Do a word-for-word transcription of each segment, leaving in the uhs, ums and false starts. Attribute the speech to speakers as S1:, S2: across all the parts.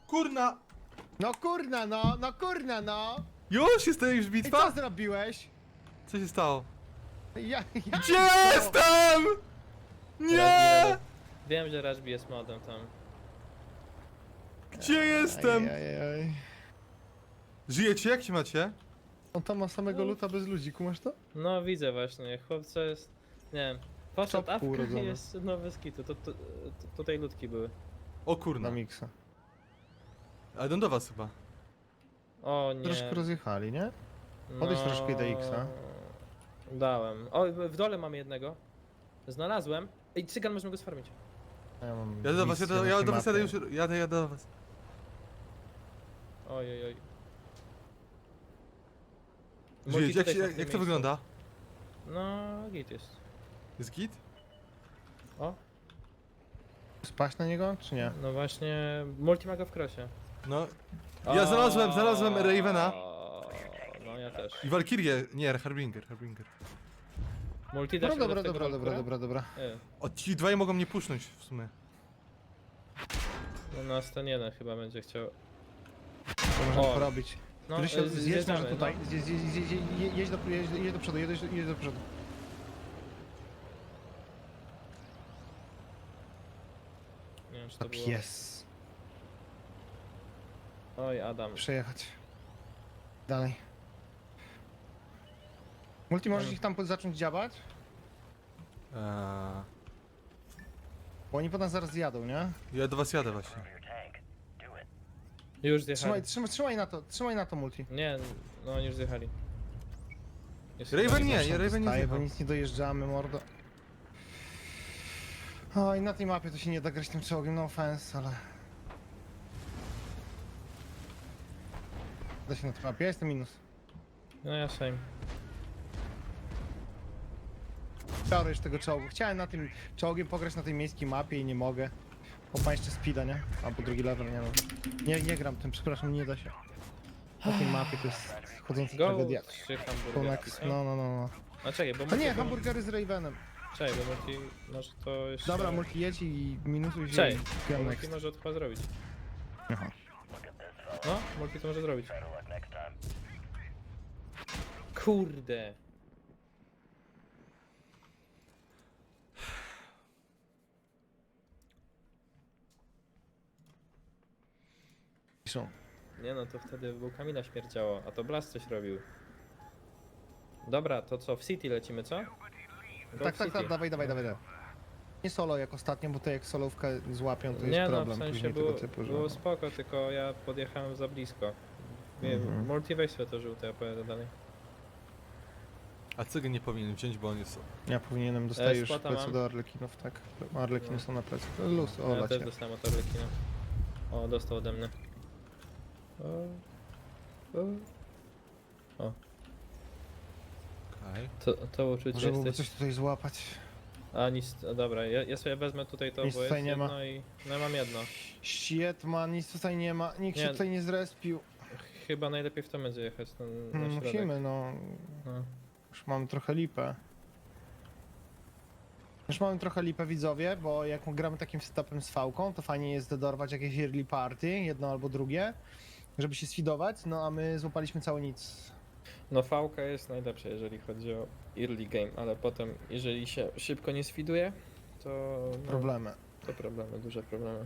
S1: Kurna!
S2: No kurna no, no kurna no!
S1: Już jest to już
S2: I co
S1: bitwa?
S2: zrobiłeś?
S1: Co się stało?
S2: Ja, ja
S1: Gdzie jestem? Nie!
S3: Rashby, wiem, że Rashby jest modem tam.
S1: Gdzie jestem?
S2: Ajajaj.
S1: Żyjecie? Jak się macie?
S2: On tam ma samego luta bez ludzi, kumasz to?
S3: No widzę właśnie, chłopca jest... Nie wiem. Poszedł
S2: Czopku
S3: awka i
S2: urodzony.
S3: jest nowe skity, to, to, to, tutaj ludki były.
S1: O
S2: Na
S1: kurna.
S2: miksa.
S1: Ale idą do was chyba.
S3: O nie.
S2: Troszkę rozjechali, nie? Podejdź troszkę do X-a.
S3: Dałem. O, w dole mam jednego. Znalazłem. Ej, cygan, możemy go sfarmić.
S2: A Ja mam
S1: Jadę do was,
S2: misję
S1: jadę,
S2: na
S1: jadę do was, jadę
S2: mapie.
S1: już, jadę, jadę do was.
S3: Oj, oj, oj.
S1: Żyjecie? Jak,
S3: tutaj
S1: się-
S3: są
S1: jak,
S3: w
S1: jak to
S3: tym
S1: wygląda?
S3: No, git jest.
S1: Jest git?
S3: O,
S2: Spaść na niego, czy nie?
S3: no właśnie, multimaga w krosie.
S1: No. Ja znalazłem, znalazłem Ravena.
S3: No, ja też.
S1: I Valkyrię, nie, Harbinger, Harbinger.
S3: Multi da
S2: Dobra,
S3: się
S2: dobra,
S3: do tego
S2: dobra, dobra,
S3: Valkyra?
S2: dobra, dobra.
S3: E,
S1: O, ci dwaj mogą mnie pusznąć w sumie.
S3: No nas ten jeden chyba będzie chciał.
S2: To możemy
S3: O.
S2: porobić.
S3: No,
S2: Który się
S3: e,
S2: zjedź
S3: zjeżdżamy,
S2: może tutaj.
S3: no.
S2: Zjedź, zjedź, zjedź, zjedź, jedź, do, jedź, jedź do przodu, jedź, jedź do przodu.
S3: Nie wiem, czy
S2: To
S3: to było...
S2: pies.
S3: Oj, Adam.
S2: Przejechać. Dalej. Multi, możesz
S3: Mm.
S2: ich tam zacząć działać?
S1: Eee,
S2: Bo oni po nas zaraz zjadą, nie?
S1: ja do was jadę właśnie.
S3: Już zjechali.
S2: Trzymaj, trzymaj, trzymaj na to, trzymaj na to multi.
S3: Nie, no oni już zjechali. Jest
S1: Raven
S3: chyba
S1: nie,
S3: gorzej.
S1: nie, Raven nie
S2: Staje, bo
S1: zjechał.
S2: nic nie dojeżdżamy, mordo. O, i na tej mapie to się nie da grać tym czołgiem, no offense, ale... Da się na tej mapie, ja jestem minus.
S3: No ja same.
S2: Biorę już tego czołgu. Chciałem na tym czołgiem pograć na tej miejskiej mapie i nie mogę. Bo ma jeszcze speeda, nie? Albo drugi level, nie wiem. Nie, nie gram tym, przepraszam, nie da się. Na tej mapie to jest chodząca
S3: Go
S2: tragedia.
S3: trzy
S2: To
S3: hamburgery.
S2: next, no, no, no, no.
S3: A czekaj, bo
S2: A
S3: multi...
S2: nie, hamburgery z Ravenem.
S3: Czekaj, bo multi może to jeszcze...
S2: Dobra, multi jedź i minusuj się
S3: Czekaj,
S2: i
S3: bo
S2: gram
S3: multi
S2: next.
S3: może to chyba zrobić.
S2: Aha.
S3: No, multi to może zrobić. Kurde.
S2: Piszą.
S3: Nie no, to wtedy był Kamila śmierdziało, a to Blast coś robił. Dobra, to co, w City lecimy, co? Go
S2: Tak,
S3: w
S2: tak,
S3: City.
S2: tak, dawaj, dawaj, dawaj. dawaj. Nie solo jak ostatnio, bo to jak solówkę złapią, to
S3: Nie
S2: jest
S3: no,
S2: problem
S3: w sensie
S2: później
S3: było,
S2: tego typu, że...
S3: było spoko, tylko ja podjechałem za blisko. Nie,
S2: Mhm.
S3: multi weź sobie to żółte, ja pojadę dalej.
S1: A Cygan nie powinien wziąć, bo on jest...
S2: Ja powinienem dostać
S3: E,
S2: już
S3: spota
S2: plecy
S3: mam.
S2: do Arlekinów, tak? Arlekiny
S3: No.
S2: są na plecy. Luz, o,
S3: Ja też
S2: lacie.
S3: dostałem od Arlekina. O, dostał ode mnie. O, o.
S1: Okej.
S3: To, to uczucie
S2: Może byłoby
S3: jesteś...
S2: coś tutaj złapać.
S3: A nic, a dobra, ja, ja sobie wezmę tutaj to,
S2: Nic
S3: bo jest
S2: tutaj nie ma.
S3: jedno i... No ja mam jedno.
S2: Shit man, nic tutaj nie ma, nikt
S3: Nie.
S2: się tutaj nie zrespił.
S3: Chyba najlepiej w to będzie jechać na, na
S2: Hmm,
S3: środek.
S2: musimy, no.
S3: No.
S2: Już mamy trochę lipę. Już mamy trochę lipę, widzowie, bo jak gramy takim setupem z fałką, to fajnie jest dorwać jakieś early party, jedno albo drugie, żeby się sfidować, no a my złapaliśmy cały nic.
S3: No fałka jest najlepsza, jeżeli chodzi o early game, ale potem, jeżeli się szybko nie sfiduje, to... No,
S2: Problemy.
S3: to problemy, duże problemy.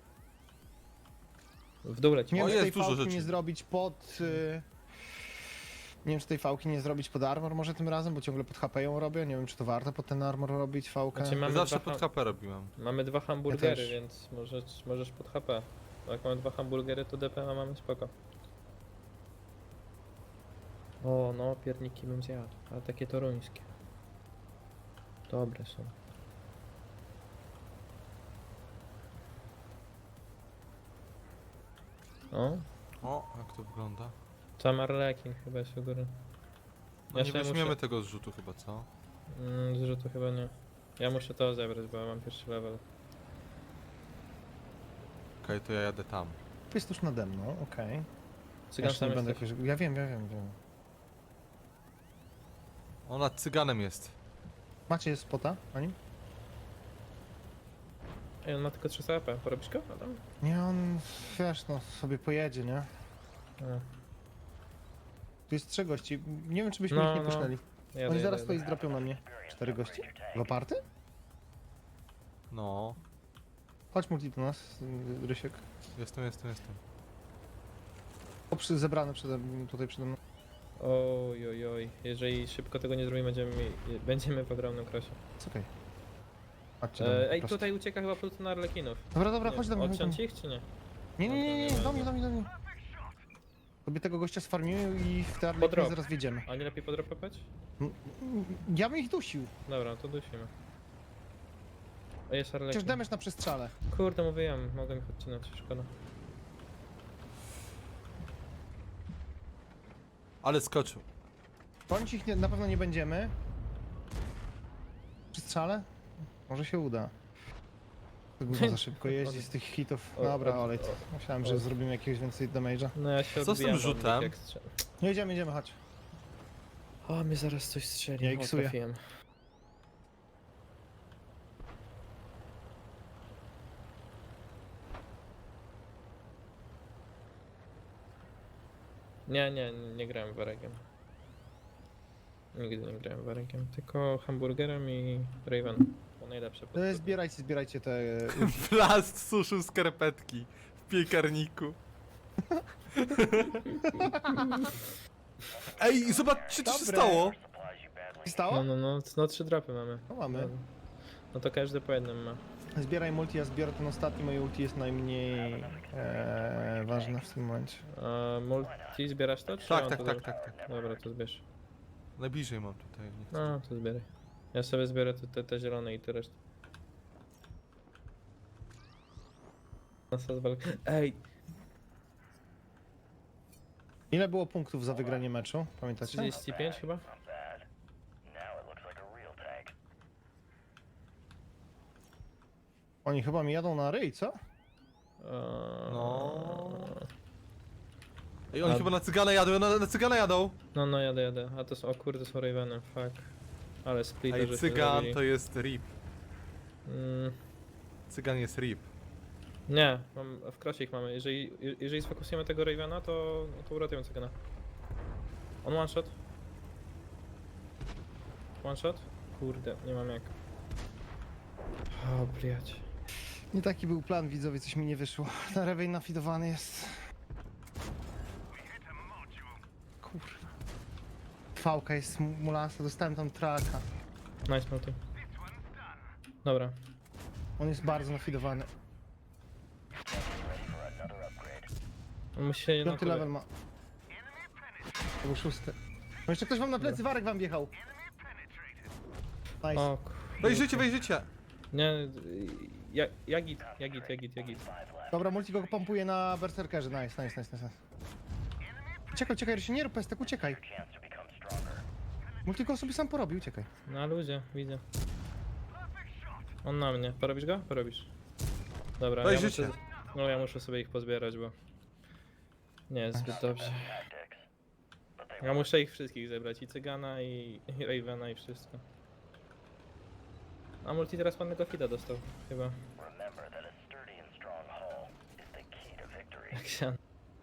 S3: W dół lecimy.
S2: Nie
S1: O,
S2: wiem, czy tej
S1: jest dużo
S2: fałki
S1: rzeczy.
S2: nie zrobić pod... Y... Nie wiem, czy tej fałki nie zrobić pod armor może tym razem, bo ciągle pod H P ją robię. Nie wiem, czy to warto pod ten armor robić fałkę.
S3: Znaczy,
S1: Ja
S3: mamy
S1: zawsze
S3: dwa
S1: pod
S3: ham-
S1: H P robiłem.
S3: Mamy dwa hamburgery,
S2: też.
S3: więc możesz, możesz pod H P. Jak mamy dwa hamburgery, to D P M mamy spoko. O, no, pierniki bym zjadł, ale takie toruńskie. Dobre są. O,
S1: O, jak to wygląda?
S3: tam Arlekin chyba jest u góry.
S1: No
S3: Ja
S1: nie
S3: sobie
S1: weźmiemy
S3: muszę-
S1: tego zrzutu chyba, co?
S3: Mm, zrzutu chyba nie. Ja muszę to zebrać, bo ja mam pierwszy level.
S1: Okej, to ja jadę tam.
S2: Jest tuż nade mną, okej. Ja,
S3: Cygan
S2: jeszcze
S3: sam
S2: nie będę
S3: jesteś.
S2: jakoś... ja wiem, ja wiem, wiem.
S1: Ona cyganem jest.
S2: Macie spota na nim?
S3: Ej, on ma tylko trzysta A P. Porobisz go, Adam?
S2: Nie, on, wiesz, no, sobie pojedzie, nie?
S3: A.
S2: Tu jest trzech gości. Nie wiem, czy byśmy
S3: No,
S2: ich nie
S3: no.
S2: pusznęli.
S3: Jadę,
S2: Oni
S3: jadę,
S2: zaraz
S3: jadę.
S2: to i zdropią na mnie. Cztery gości? Dwa party?
S1: No,
S2: Chodź multi do nas, y, Rysiek.
S1: jestem, jestem, jestem.
S2: O, przy, zebrany przede, tutaj przede mną.
S3: Oj, oj, oj. Jeżeli szybko tego nie zrobimy, będziemy, mi- będziemy w ogromnym krosie.
S2: Jest okej. Chodźcie do mnie,
S3: E,
S2: po
S3: ej,
S2: prostu.
S3: tutaj ucieka chyba Pluton Arlekinów.
S2: Dobra, dobra,
S3: Nie,
S2: chodź do mnie. chodź do
S3: Odciąć
S2: mnie.
S3: ich, czy nie?
S2: Nie, nie, nie, nie, nie, do mnie,
S3: Dobra,
S2: do mnie, do mnie. Sobie tego gościa sfarmimy i w te
S3: Podrop.
S2: arleki zaraz wjedziemy.
S3: A nie lepiej podropać?
S2: Mm, mm, Ja bym ich dusił.
S3: Dobra, to dusimy. O, jest
S2: Przecież
S3: Arlekin.
S2: damage na przestrzale.
S3: Kurde, mówiłem, mogłem ich odcinać, szkoda.
S1: Ale skoczył.
S2: Bądź ich nie, na pewno nie będziemy. Przestrzale? Może się uda. To gówno za szybko jeździ z tych hitów.
S3: O,
S2: Dobra,
S3: o,
S2: olej.
S3: o.
S2: Myślałem, że
S3: o.
S2: zrobimy jakiegoś więcej damage'a.
S3: No ja się
S1: Co z tym
S3: odbijam od
S1: rzutem?
S3: nich, jak strzel-
S2: No idziemy, idziemy, chodź.
S3: O, mnie zaraz coś strzeli.
S2: Ja
S3: o,
S2: iksuję.
S3: trafiłem. Nie, nie, nie grałem waregiem. Nigdy nie grałem waregiem, tylko hamburgerem i Raven. To najlepsze
S2: E,
S3: podstawy.
S2: Zbierajcie, zbierajcie te... e,
S1: Plast suszył skarpetki w piekarniku. Ej, zobaczcie co się
S2: Dobre.
S1: stało.
S2: Stało?
S3: No, no, no, no trzy dropy mamy.
S2: No mamy.
S3: No to każdy po jednym ma.
S2: Zbieraj multi, ja zbiorę ten ostatni, moje ulti jest najmniej e, ważne w tym momencie.
S3: A multi zbierasz to? Czy
S1: Tak,
S3: on
S1: tak,
S3: to
S1: tak,
S3: zro-
S1: tak, tak.
S3: Dobra, to zbierz.
S1: Najbliżej mam tutaj. Nie chcę.
S3: No, to zbieraj. Ja sobie zbiorę te, te, te zielone i te resztę. Ej,
S2: Ile było punktów za wygranie meczu? Pamiętacie?
S3: trzydzieści pięć chyba?
S2: Oni chyba mi jadą na ryj, co?
S3: Eee,
S1: No. Ej, oni
S3: A-
S1: chyba na cygana jadą, na, na cygana jadą.
S3: No, no, jadę, jadę. A to są, o kurde, są Ravenem, fuck. Ale split
S1: Ej, cygan to jest rip.
S3: Mm,
S1: Cygan jest rip.
S3: nie, mam, w krosie ich mamy. Jeżeli, jeżeli sfokusujemy tego Ravena, to, to uratujemy cygana. On one shot. One shot? Kurde, nie mam jak. O, bliać.
S2: Nie taki był plan, widzowie, coś mi nie wyszło. Na rewej nafidowany jest. Kurwa. Fałka jest mulasa, dostałem tam traka.
S3: Nice multi. Dobra.
S2: On jest bardzo nafidowany.
S3: On musi się
S2: Piąty level ma. To był szósty. No jeszcze ktoś wam na plecy, Warek wam wjechał. Nice.
S3: O, kurde.
S1: Wejrzycie, wejrzycie.
S3: Nie, ja, jagit, jagit, jagit, jagit.
S2: Dobra, multi go pompuje na berserkerze. Nice, nice, nice, nice. Uciekaj, uciekaj, Rysiu, nie rób pestek, uciekaj. Multi go sobie sam porobi, uciekaj.
S3: Na ludzie, widzę. On na mnie. Porobisz go? Porobisz. Dobra, ja
S1: Wejrzycie.
S3: muszę, no ja muszę sobie ich pozbierać, bo nie jest zbyt dobrze. Ja muszę ich wszystkich zebrać, i Cygana, i, i Ravena, i wszystko. A multi teraz pannego fida dostał, chyba. Jak się...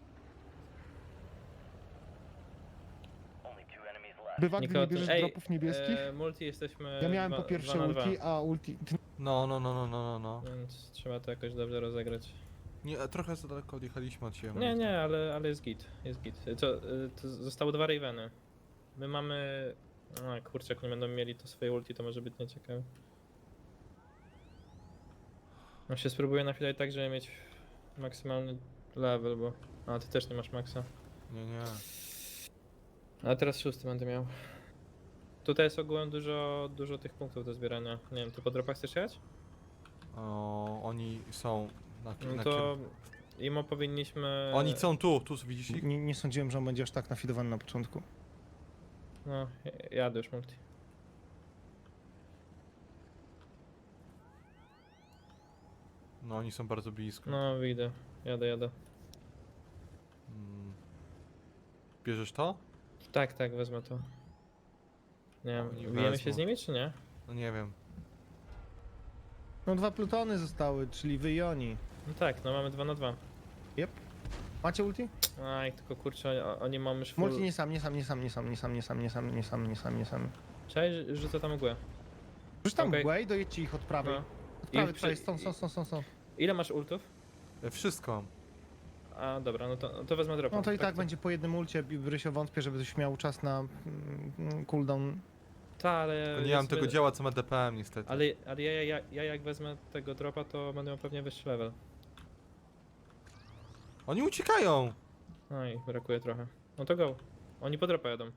S2: Bywa, gdy nie
S3: Nikogo tu-
S2: bierzesz
S3: Ej,
S2: dropów niebieskich?
S3: E, multi jesteśmy
S2: Ja miałem
S3: dwa-
S2: po pierwsze
S3: dwa na dwa,
S2: ulti, a ulti... Ty...
S1: No, no, no, no, no, no, no.
S3: więc trzeba to jakoś dobrze rozegrać.
S1: Nie, trochę za daleko odjechaliśmy od siebie.
S3: Nie, nie, ale, ale jest git, jest git. Co, y, to zostało dwa Raveny. My mamy... A kurczę, jak nie będą mieli to swoje ulti, to może być nieciekawe. No się spróbuję nachylać tak, żeby mieć maksymalny level, bo... A, ty też nie masz maksa.
S1: Nie, nie.
S3: A teraz szósty będę miał. Tutaj jest ogółem dużo, dużo tych punktów do zbierania. Nie wiem, ty po dropach chcesz jechać?
S1: O, oni są na,
S3: No
S1: na
S3: to... Imo powinniśmy...
S1: Oni są tu, tu widzisz ich?
S2: Nie, nie sądziłem, że on będzie aż tak nafidowany na początku.
S3: No, jadę już multi.
S1: No, oni są bardzo blisko.
S3: No, widzę. Jadę, jadę.
S1: Mm. Bierzesz to?
S3: Tak, tak, wezmę to. Nie
S1: Oni
S3: wiem, bijemy się
S1: wezmą.
S3: z nimi, czy nie?
S1: No nie wiem.
S2: No dwa plutony zostały, czyli wy i oni.
S3: No tak, no mamy dwa na dwa.
S2: Yep. Macie ulti?
S3: Aj, tylko kurczę, o- oni mamy już full...
S2: Multi nie sam, nie sam, nie sam, nie sam, nie sam, nie sam, nie sam, nie sam, nie sam, nie sam.
S3: Cześć, rzucę tam mgłę.
S2: Już tam
S3: Okej.
S2: mgłę i dojedźcie ich od prawej.
S3: No.
S2: Od prawej,
S3: I-
S2: prawej, stąd, stąd, stąd, stąd, stąd.
S3: Ile masz ultów?
S1: E, Wszystko mam.
S3: A, dobra, no to, no to wezmę dropa.
S2: No to i tak będzie po jednym ulcie, Rysio wątpię, żeby ktoś miał czas na mm, cooldown.
S3: Ta, ale...
S1: Tylko nie mam
S3: jest
S1: tego
S3: wy-
S1: działa, co ma D P M niestety.
S3: Ale, ale ja, ja, ja, ja jak wezmę tego dropa, to będę miał pewnie wyższy level.
S1: Oni uciekają!
S3: No i brakuje trochę. No to go. Oni po dropa jadą.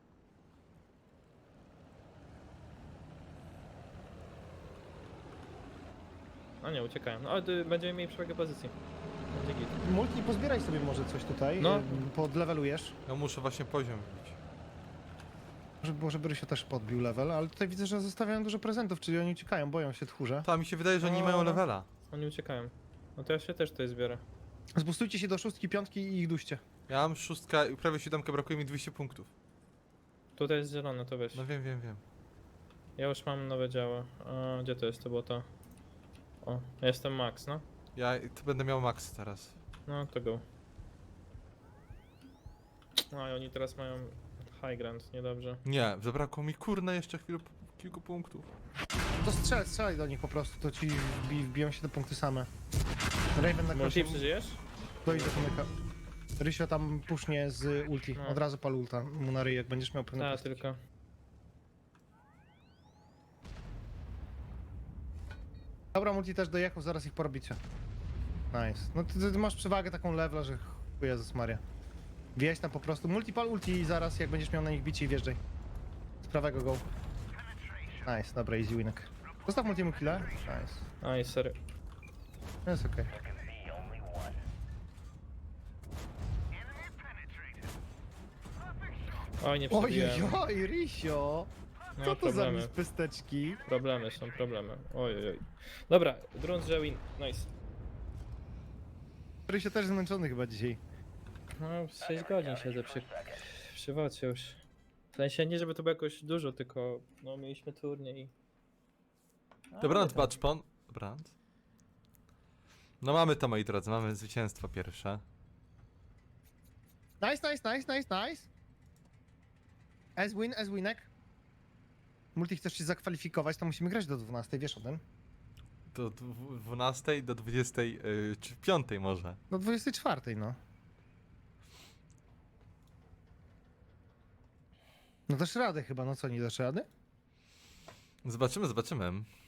S3: A nie, uciekają. No ale y, będziemy mieli przewagę pozycji. Będzie git.
S2: Multi, pozbieraj sobie może coś tutaj,
S3: No.
S2: no. podlevelujesz.
S1: Ja muszę właśnie poziom wbić.
S2: Żeby było, żeby Rysio też podbił level, ale tutaj widzę, że zostawiają dużo prezentów, czyli oni uciekają, boją się tchórze.
S1: Ta, mi się wydaje, że oni nie
S3: O,
S1: mają
S3: no.
S1: levela.
S3: Oni uciekają. No to ja się też tutaj zbiorę.
S2: Zbustujcie się do szóstki, piątki i ich duście.
S1: Ja mam szóstka i prawie siódemkę, brakuje mi dwieście punktów.
S3: Tutaj jest zielone, to weź.
S1: No wiem, wiem, wiem.
S3: Ja już mam nowe działa. A, gdzie to jest? To było to. O, ja jestem max, no.
S1: Ja to będę miał max teraz.
S3: No to go. No i oni teraz mają high ground, niedobrze.
S1: Nie, zabrakło mi kurna jeszcze chwilę kilku punktów.
S2: To strzelaj, strzelaj do nich po prostu, to ci wbi, wbiją się te punkty same. Raven na
S3: Multi,
S2: krosie
S3: przeżyjesz?
S2: dojdzie do pomyka. Rysio tam pusznie z ulti,
S3: No.
S2: od razu pal ulta mu na ryj, jak będziesz miał pewne
S3: Tak,
S2: postać.
S3: tylko.
S2: Dobra, multi też dojechał, zaraz ich porobicie. Nice. No ty, ty masz przewagę taką levela, że ch- Jezus Maria. Wjeźdź tam po prostu, multi pal ulti i zaraz jak będziesz miał na nich bicie i wjeżdżaj. Z prawego go. Nice, dobra, easy winek. Zostaw multi mu killa. Nice.
S3: Aj, sorry.
S2: No jest okej.
S3: Oj, nie
S2: Oj,
S3: przebiłem.
S2: oj, oj, Rysio!
S3: No,
S2: Co to za
S3: problemy.
S2: mispysteczki?
S3: Problemy są, problemy. Oj, oj, oj. Dobra, grunt, że win. Nice.
S2: Rysio też zmęczony chyba dzisiaj.
S3: No, sześć godzin siedzę przy, przy wocie już. W sensie nie, żeby to było jakoś dużo, tylko no mieliśmy turniej. A,
S1: Dobranoc,
S3: nie tam.
S1: Baczpon. Dobranoc. No mamy to, moi drodzy, mamy zwycięstwo pierwsze.
S2: Nice, nice, nice, nice, nice. As win, as winek. Multi, chcesz się zakwalifikować, to musimy grać do dwunastej, wiesz o tym?
S1: Do dwu- dwunastej do dwudziestej, yy, czy piątej może.
S2: Do dwudziestej czwartej, no. No dasz radę chyba, no co, nie dasz rady?
S1: Zobaczymy, zobaczymy.